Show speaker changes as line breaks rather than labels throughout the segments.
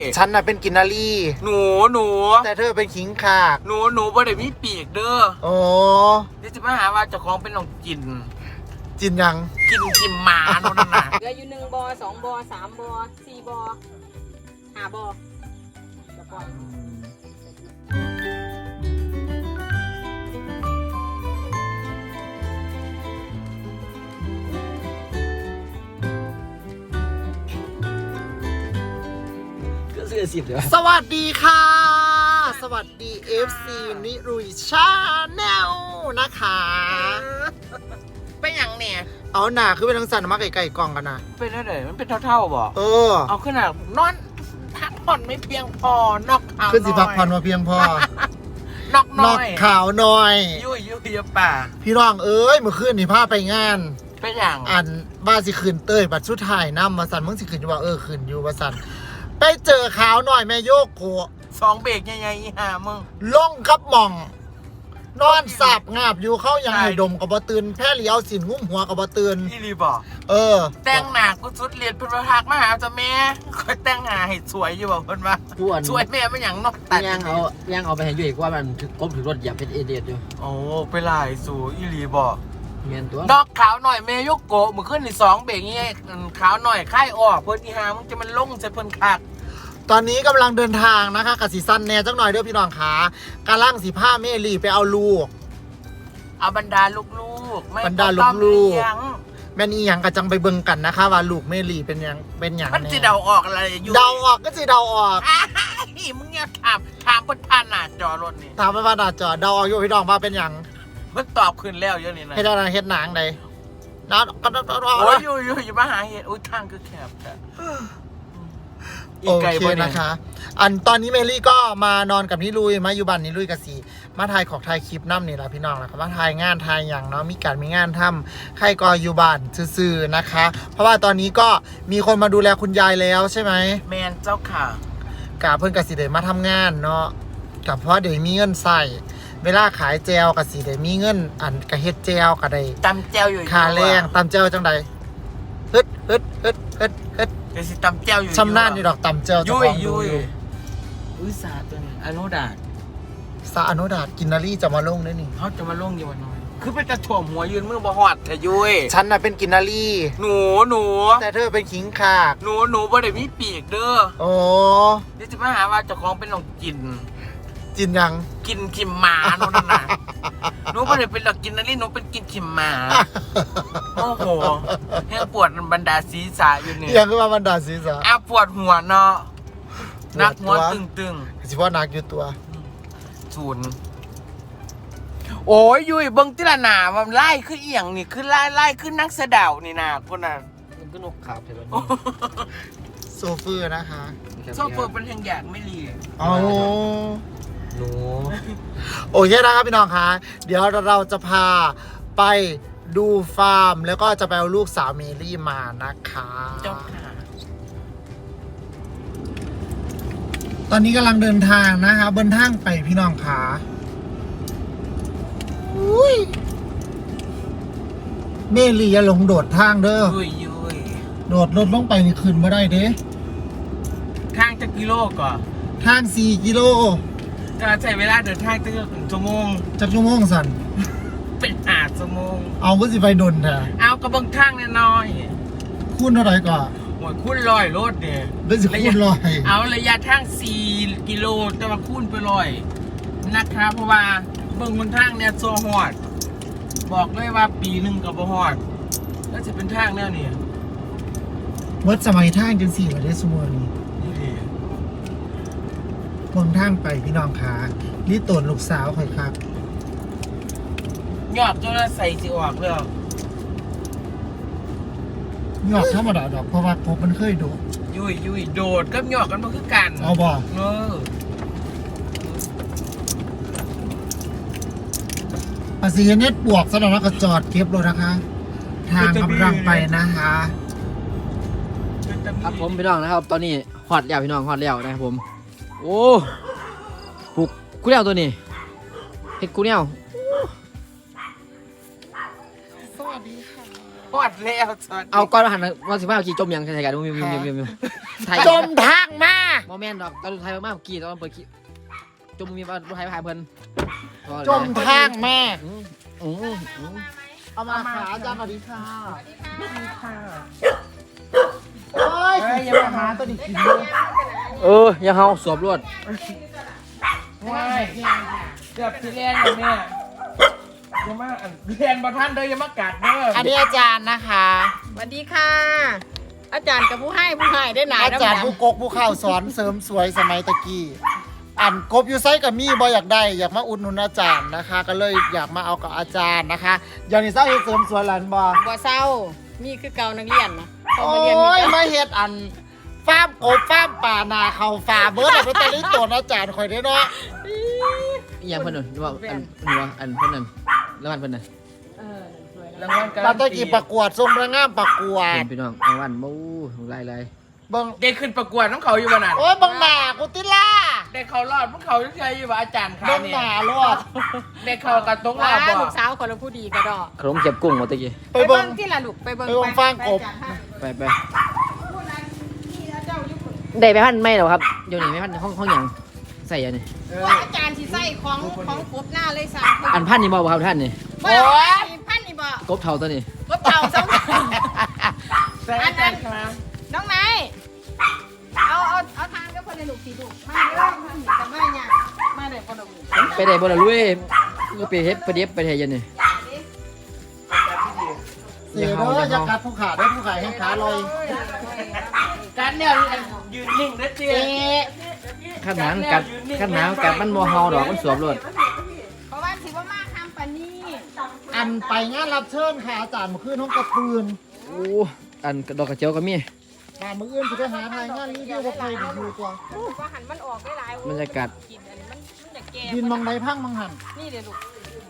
ฉันน่ะเป็นกินนารี
หนู
แต่เธอเป็นขิงขาก
หนูบ่ได้มีปีกเด้อ
โอ้
เดี๋ยวจะมาหาว่าเจ้าของเป็นน้องจิน
ยัง
กินหมาโน่นน่ะ
เหลืออยู่1 บ่อ 2 บ่อ 3 บ่อ 4 บ่อ 5 บ่อจะปล่อย
สวัสดีค่ะสวัสดี FC นิรุยชาแนลนะคะ
เป็นอย่างเนี่ย
เอาหนาคือเป็นทั้งสันมาไก่กล่องกันนะ
เป็นอะไรมันเป็นเท่าๆบ่เอาขึ้นอ่ะนอนพักผ่อนไม่เพียงพอนอกขาวน
ขึ้นสิพักผ่อนมาเพียงพ
อนอกน้อย
ขาวน้อย
ยุ่ยป่า
พี่น้องเอ้ยเมื่อคืนนี่พาไปงาน
เป็นอย่าง
อันบ้าสิขืนเต้ยบัดชุดถ่ายน้ำมาสันมึงสิขืนอยู่ว่าขืนอยู่มาสันไปเจอขาวหน่อยแม่โยกโก
2 เบรกยังไงห่ามึง
ลงกับหม่องนอนสับงาบอยู่เข้ายังไงดมกับบตื่นแพ้เลี้ยวสินงุ้มหัวกับบตื่น
พี่รีบอกแต่งหนากูสุดเรียนเป็นประทักมาหาจ้าแม่คอยแต่งหาให้สวยอยู่บอกเพิ่นว่าสวยแม่ไม่หยังนอกตัด
ยังเอาไปให้ยุ่ยว่ามันก้มถึงรถเหยียบเป็นเอเดียดอยู่
โอ้ไปหลายสู่อีรีบอก
เมียนตัวน
อกขาวหน่อยเมยกโกมือขึ้นใน2 เบรกงี้ขาวหน่อยค่ายออกเพิ่นอีหามึงจะมันลงใส่เพิ่นคัก
ตอนนี้กำลังเดินทางนะคะกับสีสั้นแน่จังหน่อยเด้อพี่น้องขากำลังสีผ้าเมลีไปเอาลูก
เอาบรรดาลูก
บรรดาลูกแม่นี่ยังกระจังไปเบิ่งกันนะคะว่าลูกเมลีเป็นยัง
มันจะเดาออกอะไรอยู่
เดาออกก็จะเดาออก
มึงเนี่ยถามเพิ่นผ่านหน้าจอรถนี่
ถามไปว่าหน้าจอเดาออกอยู่พี่น้องว่าเป็นยัง
เพิ่นตอบขึ้นแล้วเยอะนี่นะ
เฮ็ดอะไรเฮ็ดหนังใดนะ
โอ้ยอยู่มาหาเฮ็ดอุ้ยทางคือแคบแต่
โอเคนะคะอันตอนนี้เมลี่ก็มานอนกับนิลุยมาอยู่บ้านนิลุยกับสีมาถ่ายของถ่ายคลิปน้ำนี่แหละพี่น้องนะครับมาถ่ายงานถ่ายอย่างเนาะมีงานทำใครก็อยู่บ้านซื่อๆนะคะเพราะว่าตอนนี้ก็มีคนมาดูแลคุณยายแล้วใช่ไหม
แมนเจ้าค่ะ
กะเพิ่นกับสีเดมาทำงานเนาะกับเพราะเดี๋ยวมีเงินใส่เวลาขายแจวกับสีเดี๋ยวมีเงินอันกระเฮ็ดแจวกับใด
ตำแจวอยู่
ค่าแรงตำแจวจังใดฮึด
เดี๋ยวสิตำแจวอยู่
ชำนาญนี่ดอกตำแจว
ยุ่ยอุ้ยสาตัวนี้อนุดาต
อนุดาตกินนารีจะมาลงได้นี่
เขาจะมาลงอยู่วันน้อยคือเป็นกระถ่วมหัวยืนมือบอหอดแต่ยุ่ย
ฉันน่ะเป็นกินนารี
หนู
แต่เธอเป็นขิงขาก
หนูบ่ได้มีปีกเด้อ
โอ้
เดี๋ยวจะมาหาว่าเจ้าของเป็นน้องจิน
ยัง
กินขิมหมาโน่นน่ะหนูบ่ได้เป็นหลักกินนารีหนูเป็นกินขิมหมาโอ้โหแห้งปวดบรรดาศีรษะอยู่นี่
ยังคือว่าบรรดาศีรษะ
ปวดหัวเนาะนักหัวตึง
สิว่านักอยู่ตัว
0โอ้ยยุ้ยเบิ้งติละหนามันไล่ขึ้นเอียงนี่ขึ้นไล่ขึ้นนักเสดานี่นะคนน่ะ
มันก็นกขาบใช่ไหม
โซเฟอร์นะคะ
โซเฟอร์เป็นแห่งอยากไม่รี
อ๋อ
หนู
โอเคนะครับพี่น้องคะเดี๋ยวเราจะพาไปดูฟาร์มแล้วก็จะไปเอาลูกสาวเมลี่มานะคะตอนนี้กำลังเดินทางนะคะบนทางไปพี่น้องคะเมลี่อย่าหลงโดดทางเด้อโดดรถลงไปนี่ขึ้นมาได้เด้
ทางจะกิโลก่อน
ทาง4 กิโล
จะใช้เวลาเดินทางตั้ง1 ชั่วโมง
จักชั่วโมงสั่น
เป็น5 ชั่วโมง
เอาก็สิไปดนแท้
เอากระเบื้องทางน้อย
คูณเท่าไหร่ก่อน
โอ้ยคูณ100รถเนี่ย
เป็นสิคูณ100
เอาระยะทาง4 กิโลแต่ว่าคูณไป100นะคะเพราะว่าเบื้องบนทางเนี่ยโซฮอดบอกเลยว่าปีหนึ่งกับบ่ฮอดแล้วจะเป็นทางแนวนี้
วัดสมัยทางจัง4ว่าได้สมมุตินี่บนทางไปพี่น้องขานี่ตนลูกสาวค่อยครับ
ยอดจนใส่สิออกเลย
ยอดธรรมดาดอกเพราะว่าผมมันเคยโดด
ยุ่ยโดดกับยอดกันมาคือกัน
เอาบ่ภาษีเน็ตบวกสำหรับนักจอดเก็บรถนะคะทางกำลังไปนะคะ
ครับผมพี่น้องนะครับตอนนี้ฮอดแล้วพี่น้องฮอดแล้วนะครับผมโอ้ปลุกกูเลี้ยวตัวนี้เฮ็ดกูเลี้ยว
สวัสดีค่ะ
ฮอดแล้ว
เอาก้อนหันมา15 นาทีจมยังใช่กันจมทางมาโมเมนต์ดอกตอนสุดท้ายมากๆกี่ตอนเปิดกี่จมมีว่าผู้ชายพายเพิ่น
จมทางแม่
เอามาไหม
เอามาขาอาจารย์สวัสดีค่ะ
สวัสดีค่ะ
โอ้ยอย่ามาหาตัวนี้กินเลย
อย่าเฮาสวบรวด
ว้ายเกือบที่เล่นเลยเนี่ยอย่ามาเรียนประท่านเด้ออย่ามากัดเด้อ
อันนี้อาจารย์นะคะ
สวัสดีค่ะ อาจารย์กับผู้ให้ได้หนา
อาจารย์ผู้กกผู้ข่าวสอนเสริมสวยสมัยตะกี้อันกบอยู่ไซกับมี่บอยากได้อยากมาอุดหนุนอาจารย์นะคะ ก็เลยอยากมาเอากับอาจารย์นะคะอย่างนี้เศร้าเฮ็ดเสริมสวยหลานบอ
บ่เศร้ามีคือเก่านักเรียนนะ
โอ้
มาเรียน
ยมาเฮ็ดอันฟาร์มกบฟาร์มป่านาเขาฝ่าเบิร์ดเอาไปตะลิตัวอาจารย์คอยได้เนาะ
อย่างเพิ่นนั่นว่าอันเพิ่นนั่นแล้วมันเพิ่นนั่น
รางวัลการั
เรา
น
ตะ
ตี
กี้ประกวดทรงระงามประกวด
เป็นพี่น้องรางวัลบู๊ไล่
เบิ่ง
ได้ขึ้นประกวดน้องเขาอยู่บ้านนั้น
โอ้ยเบิ่งหน้ากูติล่า
ได้เขารอดพวกเขาเฉยๆอยู่ว่าอาจารย์ค่ะ
เบิ่ง
นี่
หน้ารอด
ได้เขากระตรงร
ว้า
อบบ่
ลูกสาวคนละผู้ดีกระดอก
ขนมเจ็บกุ้งหมดตะกี้
ไปเบิ่ง
ที่ละลูกไปเบิ่ง
ไปเบิ่งฟางกบ
ไปได้ไปพันไม่หรอครับเดี๋ยวนี้ไม่พันห้องหยังใส่อันนี้
ว่าอาจารย์สิใส่ของกบหน้าเลยสั่ง
อันพันนี่บ่ครับท่านนี่
โอ้ยพันนี่บ่
กบเท่าตัวนี้
กบเต่าสอง
ใส่อาจารย์ค่ะ
น้องนายเอาทานกับคนในลูกสีลูกมาเด้อท่านแต่ไม่เนี่ยมาเด้อคนละลูก
ไปได้บ่ล่ะลุยก็ไปเฮ็ดไปเด็บไปเฮ็ดยันนี่
เสียเด้ออย่ากัดผู้ขาได้ผู้ขายให้ขาลอย
การเนี่ยยืนนิ่งเด้อเจ๊
ขั้นหนังกัดมันบ่เฮาดอกมันสวบรวด
เพราะว่าสิว่ามาทำปานนี้
อันไปงานรับเชิญค่ะอาจารย์เมื่อคืนห้องกระปืน
โอ้อันดอกกระเจียวก็มี
งานมื้ออื่นจะไปหาทายงานรีวิวว่าใครดีอยู่ตัว
ว่าหันมันออกได้หลาย
บรรยากาศ
กินอันนี้มันอยากแก่
ดินมองใดพังมังหัน
นี่เดี๋ยวลูก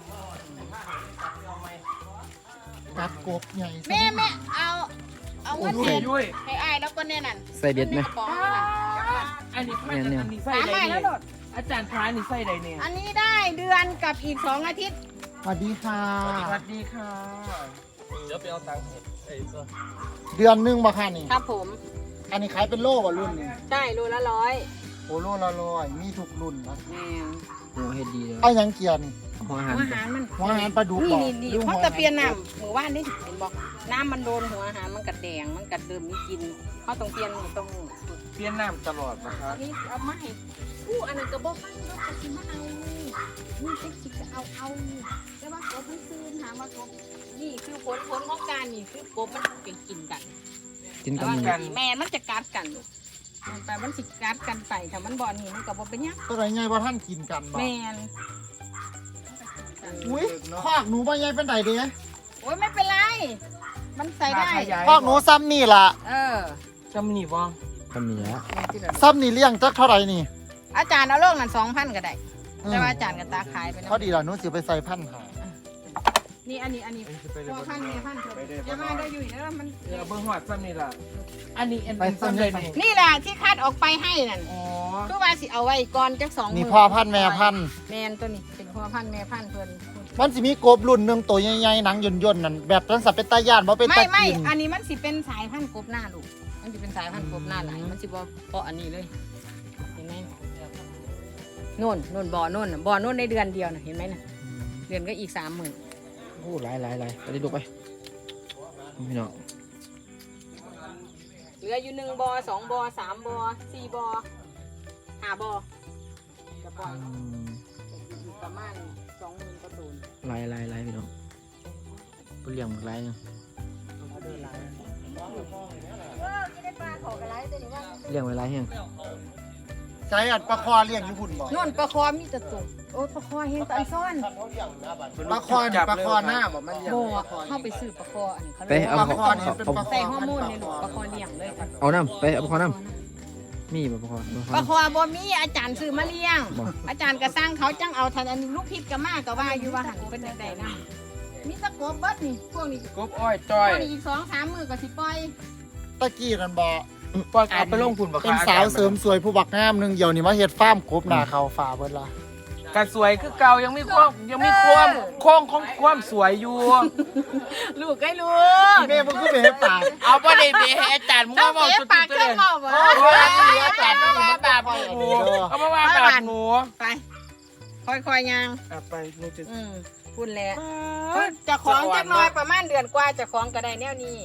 กัดกบใหญ่
แม่เอาเงินเดือนให้อ้ายแล้วก็แน่นั่น
ใส่เบ็ดไหม
กระป๋องนั่นน่ะ
อันนี้พันอันนี้ใส่
สาม
ใด
ใบ
เนี่
แล้ว
ย
โดด
อาจารย์พานี่ใส่ใดเนี่ย
อันนี้ได้เดือนกับอีก2 อาทิตย์
สวัสดีค่ะ
สวัสดีค่ะเดี๋ยวไปเอาตังค์
เดือนหนึงบ่ค่ะนี่
ครับผม
อันนี้ขายเป็นโลว่ะรุ่นนี้
ได้โลละ100
โอ้โลละร้อยมีทุกรุ่นนะ
แม่
โอ้เฮ็ดดีเลย
เอาหยังเกียร์นี่
หัวอาหาร
หัวอาหารมัน
หัวอาหารปลาดุก
นี่
บ่
นี่
หรือ
เขา
หัว
ตะเพียนน้ำหมู่บ้านนี่เห็นบอกน้ำมันโดนหัวอาหารมันกัดแดงมันกัดเดิมมีกินเขาต้องเปลี่ยนตรง
เปลี่ยนน้ำตลอดนะครับ
นี้เอามาให้ผู้อันนั้นกระบอกฟังรถกระสิมาเอานี่เซ็กซี่ก็เอาแต่ว่ากบมันซื้อถามว่ากบนี่คือผลของการนี่คือกบมันเป็นกินกัน
กิน
แต่
กัน
ว่า
หมู
แม่มันจะกัดกันแต่มันสิกัดกันไปถ้ามันบ่อนี่มันก็บ่เป็นหยัง
ตัวไหนไงว่าท่านกินกันบ่
แม่น
อุ้ยคอกหนูบ่ใหญ่เป็นไดเด้
โอ้ยไม่เป็นไร มันใส่ได้
คอกหนูซ้ำนี่ล่ะ
จำนี่บ่
ทำนี่แหละ
ซ้ำนี่เลี้ยงจักเท่าไหร่นี่
อาจารย์เอาโลกนั้น2,000ก็ได้แต่ว่าอาจารย์ก็ตาขายไปนะ
พอดีล่ะหนูสิไปใส่พันหา
นี่อันนี้พ่อพันแม่พันเถอะอย่ามาได้อยู่แล้วมัน
เดี๋ยวเบิ่งหอดซ้ำนี่ล่ะอันนี้อันนี้ซ้ำใดนี่
นี่แหละที่คัดออกไปให้นั่น
อ๋อ
คือว่าสิเอาไว้ก่อนจัก2 มื้
นี่พ่อพันธุ์แม่พันธุ์
แม่นตัวนี้เป็นพ่อพันธุ์แม่พันธุ์เพิ่น
มันสิมีกบรุ่นหนึงตัวใหญ่ๆหนังย่นๆนั่นแบบนั้นสับเป็นตาย่านบ่เป็นตา
ไม่
กิน
อันนี้มันสิเป็นสายพันธุ์กบหน้าลูกมันสิเป็นสายพันธุ์กบหน้าหลายมันสิบ่เพราะอันนี้เลยเห็นไหมโน่นบ่อโน่นในเดือนเดียวน่ะเห็นไหมน่ะเดือนก็อีก30,000
โอ้หลายไปได้ดูไปพี่น้อง
เหลืออยู่1 บ่อ 2 บ่อ 3 บ่อ 4 บ่อ 5 บ่อจะปล่อยอยู่ประมาณ 20,000 กว่าตัว
หลายพี่น้องเปลี่ยนหลายเนี่ย
จะได้ปลาขอกระไรตัวนี้ว่า
เลี้ยงไว้หลายแห้ง
ใช้อัดปลาคอเลี้ยงอยู่หุ่นบ่
นู่นปลาคอมีแต่ตุ่มโอ้ปลาคอเฮงตอนซ่อน
ปลาคอนี่ปลาคอหน้าบ่มันเลี้ยง
โบ
ปลาคอ
เข้าไปซื้อปลาคออันนี้เขา
ไป
เรียก
เอา
ว่า
ปลาคอนี่เป็นปลาคอ
ใส่ฮอร์โมนในลูกปลาคอเลี้ยงเลยค่ะ
เอาน้ำไปเอาพอน้ำมีบ่พอ
ปลาคอบ่มีอาจารย์ซื้อมาเลี้ยง อาจารย์ก็สร้างเขาจังเอาทันอันนี้ลูกพิษก็มากก็ว่าอยู่ว่าหันเป็นจังไดนะมีตะกบเบิดนี่พวกนี้
กบอ้อยจ้อย
พวกนี้อีก2-3 มื้อก็สิปล่อย
ตะกี้นั่นบ่
ปล่อยเอาไปลงทุนบ่
เป็นสาวเสริมสวยผู้บักงามหนึงเดี๋ยวนี้มาเฮ็ดฟาร์มกบหน้าเขาฝาเบิดล่ะ
กระสวยคือเก่ายังมีความโค้งของความสวยอยู่
ลูกไอ้ลูก
แม่มึงก็เบะปาก
เอาบ่ได้เบะให้อาจารย์มึง
เจ้า
มาบอก
เสีย
สุด
ปาก
ๆเล
เจ้าย เมาบ่
อาจารย์มาว่าแบบหมูเอามาว่าแบบหมู
ไปค่อยๆยัง
ไปหนูจะ
พูดแล้วจะของจักหน้อยประมาณเดือนกว่าจะของก็ได้แนวนี้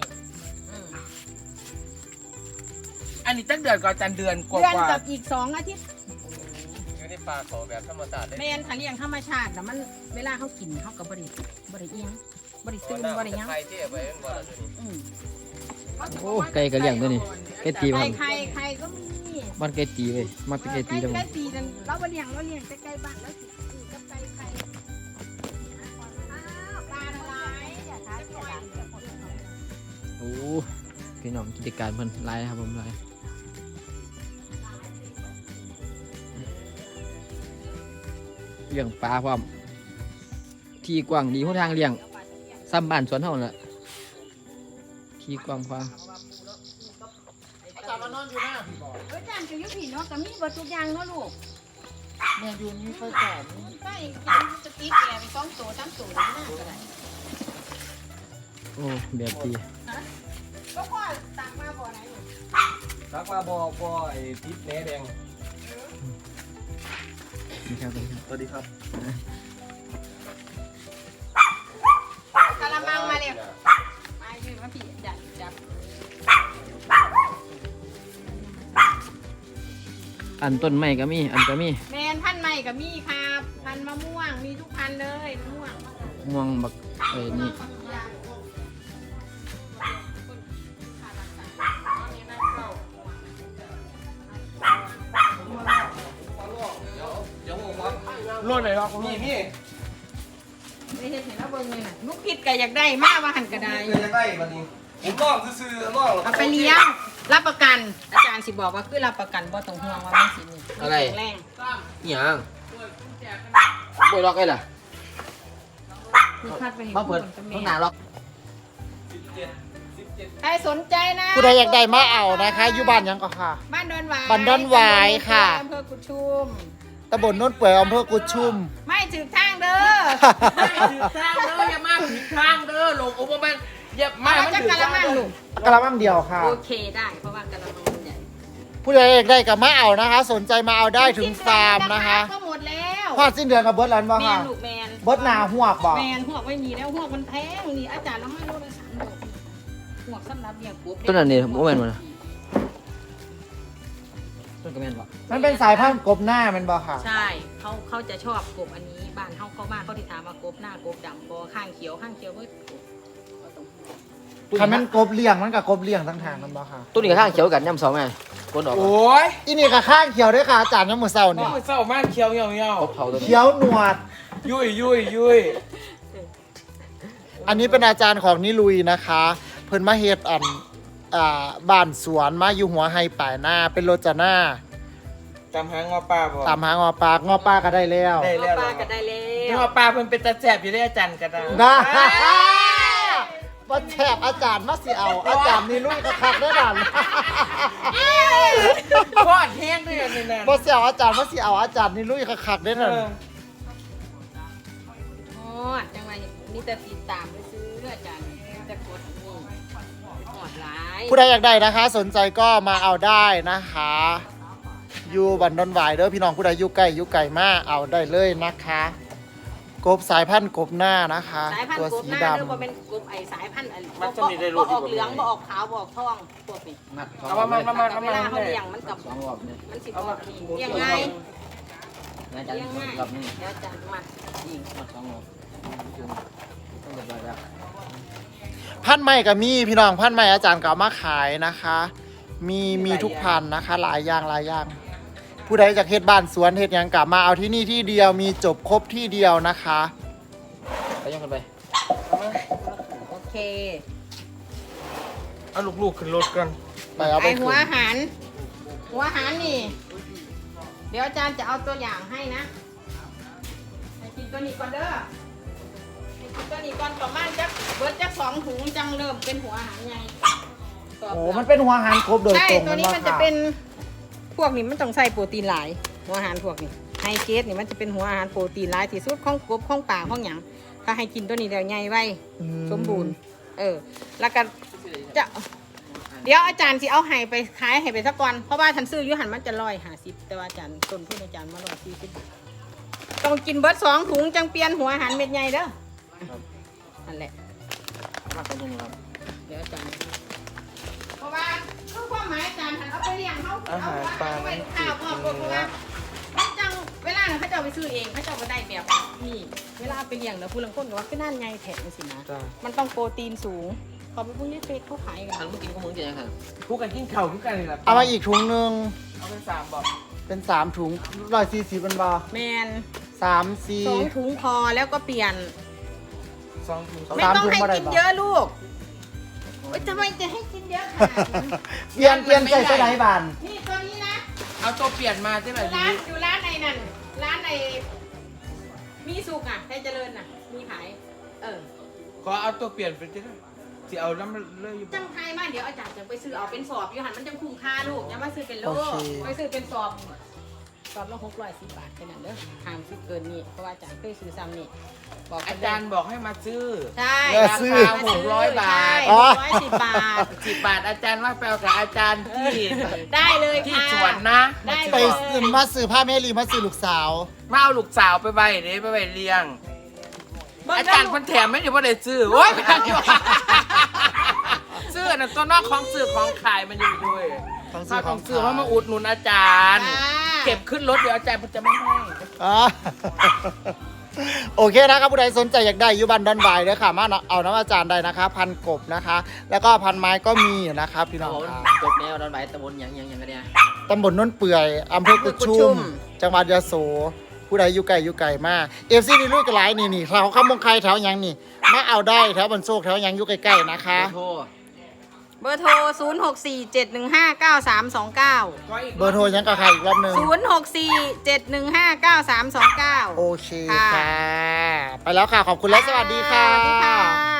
อันนี้ตั้งเดือนก่อนอาจารย์เดือนกว่า
เดือนกับอีก2 อาทิตย์
อยู่ในป่าเขาแบบธรรมชาติ
แม่นถ้าเลี้ยงธรรมชาติแล้วมันเวลาเขากินเขาก็บ่ได้เอียงบ่ได้ตื่นบ่ได้หยัง
ใครที่ไปเป็นบ่ล่ะตัวนี้
โอ้ไก่กระเลี้ยงตัวนี้ไก่ตีมัน
ไข่ก็มี
มันไก่ตีเว้ยมันเป็นไก่ตีทั้งหม
ไก่
ด
ตีนั่นเราบ่เลี้ยงแต่ไก่บ้านแล้วสิกับไก่ไข่อ้าวปลาอะไรอย่าท้าเสียหลัง
โอ้พี่น้องกิจการเพิ่นหลายนะครับผมหลายเลี้ยงปลาพร้อมที่กว้างดีหนทางเลี้ยงซ้ำบ้านสวนเฮานั่นล่ะที่กว้างกว้าง
อาจารย์มานอนอยู่หน้าพี่บอก
อาจารย์ก็อยู่พี่เนาะก็มีบ่ทุกอย่างเนาะลูก
แม่อยู่นี่ค่อยก่อน
ไปกินสติ๊กแกไป2 ตัว 3 ตัวนี่น่าก็ได้
โอ้แบบดี
ก็พ่อตักมาบ่ไหนลูก
ทักมาบ่ไอ้ทิศแหนแดง
นี่ครับ
สวัสดีครับ
กะละมังมาเร็วมายืนมาพี่จับ
อันต้นไม้ก็มีอันก็มี
แมนพันธุ์ใหม่ก็มีครับพันธุ์มะม่วงมีทุกพันธุ์เลยมะม่วง
ม่วงบักนี่
รถไหนวะนี่
ไม่เห็นแล้วเบิ่งเลยน่ะลูกพิษก็อยากได้มากว่าหันก็ได้
จะได้บัดนี้ผมลองซื้อๆลอง
เอาไปเลี้ยงรับประกัน อาจารย์สิบอกว่าคือรับประกันบ่ต้องห่วงว่ามันสินี่แข็งแรง
อิหยังบ่ล็อกไอ้ล่ะ
คือคัดไปให้
มาเปิด
กับ
ข้างห
แม่
น้าล็อก
ใครสนใจนะ
ผู้ใดอยากได้มาเอานะคะอยู่บ้านยังก็ค่ะ
บ้านดอนหวาย
บ้านดอนหวายค่ะ
อำเภอกุดชุม
ตำบลโน้นเปื่อยอำเภอกุดชุม
ไม่ถือทางเด้อ
ถือข้างเด้ออย่ามาถือข้างเด้อลงโอ้บ่แม่นอย่ามา
มา
มัน
จาก
ถือก
ะละมังลูก
กระมังเดียวค่ะ
โอเคได้เพราะว่ากะละมังมันใหญ่
ผู้ใดอยากได้กับมาเอานะคะ สนใจมาเอาได้ถึงฟาร์มนะคะ
ก็หมดแล้ว
พอดสิ้นเดือนกับเบิร์ดแล้วบ่
แม
ค่ะ
นลูกแมน
เบิร์ดหนาหัวกบอก
แมนหวกไม่มีแล้วหวกมันแพงนี่อาจารย์น้ำมันโลละ3 ดอกหวกสำหรับเลี้ยงกบ
ต้นนั้นนี่บ่แม่นบ่นะต้นก็แม่นบ่
มันเป็นสายพันธุ์กบหน้ามันบ่ค่ะ
ใช่เขาจะชอบกบอันนี้บ้านเขาบ้านเขาที่ถามว่ากบหน้ากบดำบอข้างเขียวเบิดกบบ่ต้องห่วง
คันมันกบเลี้ยงมันกับกบเลี้ยงทั้งทางมันบ่ค่ะ
ต้นนี้ก็ข้างเขียวกันย่ำสองไงก้นออก
โอ้ย
อีนี่กับข้างเขียวด้วยค่ะอาจารย์น้ำมือเศร้า
น้
เนี่
อย งเศร้ามากเคี้ยวเหี่ยว
ครบเท่าตัวนี้
เขียวหนวด
ยุย
อันนี้เป็นอาจารย์ของนิลุยนะคะ เพิ่นมาเฮ็ดบ้านสวนมาอยู่หัวไฮป่ายหน้าเป็นโรจนา
ตามหางอปลาบ่
ตามหางอปลางอปลาก็ได้แล้ว
ได้
เอา
แล้ว
ปลาก็ได้แล้
ง
ว
อปลาเพิ่นเป็นตาแสบอยู่ได้อาจารย์ก็ได้
นะบ่แฉบอาจารย์มาสิเอา อาจารย์นิลุยก็คักได้ดัน
ทอดแห้งด้วยนี่นั่น
บ่เสียวอาจารย์มาสิเอาอาจารย์นิลุยก็คักได้ดัน
ฮอดจังไรนี่แต่ติดตามไปซื้ออาจารย์แต่กดนี่หอดหลาย
ผู้ใดอยากได้นะคะ สนใจก็มาเอาได้นะคะ อยู่บันดอนหวายเด้อพี่น้องผู้ใดอยู่ใกล้มาเอาได้เลยนะคะ กบสายพันธุ์กบหน้านะคะ
สายพัน
ตัว
ธุ์กบ
สี
หน้า
ด
เด้อบ่เป็นกบไอสายพันธุ์อัน
มันจะมีได้
บ่
รู้
ออกเหลืองบ่ออกขาวบ่ออกทองพวกนี้
มัด
เอามา
แต่เวลาเขาเลี้ยงมันกับ
สองรอบเนี่ย
มันสิบ่นี่เลี้ยงง่าย
อาจารย์
เลี้ยงง่าย
รอบนี้
เดี๋ยวอาจารย์มาอีก
มัด2รอบต้องเรียบร้อยแล้ว
พันธุ์ใหม่กับมีพี่น้องพันธุ์ใหม่อาจารย์ก็เอามาขายนะคะ มีทุกพันธุ์นะคะ หลายอย่าง ผู้ใดจากเฮ็ดบ้านสวนเฮ็ดหยังกลับมาเอาที่นี่ที่เดียวมีจบครบที่เดียวนะคะ
ไปย่องกันไป
โอเค
เอาลูกๆขึ้นรถกัน
ไปเอา
ไอ
ไป
หั
คื
วน อาหารนี่ เดี๋ยวอาจารย์จะเอาตัวอย่างให้นะให้กินตัวนี้ก่อนเด้อให้กินตัวนี้ก่อนประมาณจักเบิดจัก2 ถุงจังเริ่มเป็นหัวอาหารใหญ่
โอ้มันเป็นหัวอาหารครบโดย
ใช่
ตรง
ตัวนี้
บ่
มันจะ
ค่ะ
เป็นพวกนี้มันต้องใส่โปรตีนหลายหัวอาหารพวกนี้ไฮเกรดนี่มันจะเป็นหัวอาหารโปรตีนหลายที่สุดของกบของป่าของหยังถ้าให้กินตัวนี้แล้วใหญ่ไว้สมบูรณ์แล้วก็จะเดี๋ยวอาจารย์สิเอาไห้ไปขายให้ไปสักก่อนเพราะว่าทันซื้ออยุหันมันจะ150แต่ว่าอาจารย์ต้นทุนอาจารย์มา140ต้องกินเบิร์ด2 ถุงจังเปลี่ยนหัวอาหารเม็ดใหญ่เด้อนั่นแหละ
มากกว่านี้ครับ
เดี๋ยวอาจารย์เพราะว่าคือความหมายอาจารย์หันเอาไปเลี้ยงเขาเอาไว้ข้าวพ่อเพราะว่ามันจังเวลาเขาจะเอาไปซื้อเองเขาจะเอาไปได้แบบนี่เวลาไปเลี้ยงแล้วผู้ลังคนก็ว่าก็น่าใหญ่แถมสินะมันต้องโปรตีนสูงพอไปพวกนี้เฟซเขาขายกัน
ทางผู้กินก็มึงกินยังไง
คู่กันกินเข่าคู่กันเลยล่ะ
เอามาอีกถุงหนึง
เอาเป็น3บอก
เป็น3 ถุง140เป็นบ่
แมน
3
2 ถุงพอแล้วก็เปลี่ยน
2 ถุง
ไม่ต้องให้กินเยอะลูกโอ๊ยทำไมจะให้กินเยอะขนาดนั้น
4เปลี่ยนใจใส่ไหนบ้าน
นี่ตัวนี้นะ
เอาตัวเปลี่ยนมาใช่ไหม
อยู่ร้านในนั่นร้านในมีสุกอ่ะไทยเจริญน่ะมีขาย
ขอเอาตัวเปลี่ยนเป็นที่สิเอาน้ำเลยอยู่
จังไทยมาเดี๋ยวอาจารย์จะไปซื้อเอาเป็นสอบอยู่หันมันจังคุ้มค่าลูกอย่ามาซื้อเป็นโลไปซื้อเป็นสอบละ610 บาทแค่นั้นเด้อห้ามซื้อเกินนี่เพราะว่าอาจารย์เคยซื้อซ้ำนี่บอก
อาจารย์บอกให้มาซื้อ
ใช่
ราคา600 บาท
610 บาท
10 บาทอาจารย์ว่าไปเอากับอาจารย์ที่
ได้เลย
ที่
ค่ะ
สวนนะ
ได้
ไป
เลย
มาซื้อผ้าแม่ลีมาซื้อลูกสาว
มาเอาลูกสาวไปไว้เด้ไปไว้เลี้ยง อาจารย์คนแถมไม่ได้ว่าได้ซื้อโอ้ยซื้อน่ะตัวนอกของซื้อของขายมันอยู่ด้วย
ของ
ถ้า
ซื้อ
ของซื้อเพราะมาอุดหนุนอาจารย์ เก็บขึ้นรถเดี๋ยวอาจารย์จะไม่ให้
อ่า โอเคนะครับผู้ใดสนใจอยากได้อยูบันดอนไวเด้อค่ะมาเอาน้ำอาจารย์ได้นะคะ พันกบนะคะ แล้วก็พันไม้ก็มีนะครับพี่น้องค่ะ
จบแนวดอนใบตะบนยังกันเนี่ย
ตำบลโน้นเปื่อยอำเภอกุดชุม จังหวัดยะโส ผู้ใดอยู่ไกลมากFCนี่ลุยกระไรนี่แถวข้ามงไคแถวยังนี่มาเอาได้แถวบนโซกแถวยังอยู่ใกล้ๆนะคะ
โทร
เบอร์โทร 0647159329
เบอร์โทรยังกับใครอีกรอบหนึง
0647159329
โอเคค่ะ ไปแล้วค่ะ ขอบคุณและสวัสดีค่ะ
สวัสดีค่ะ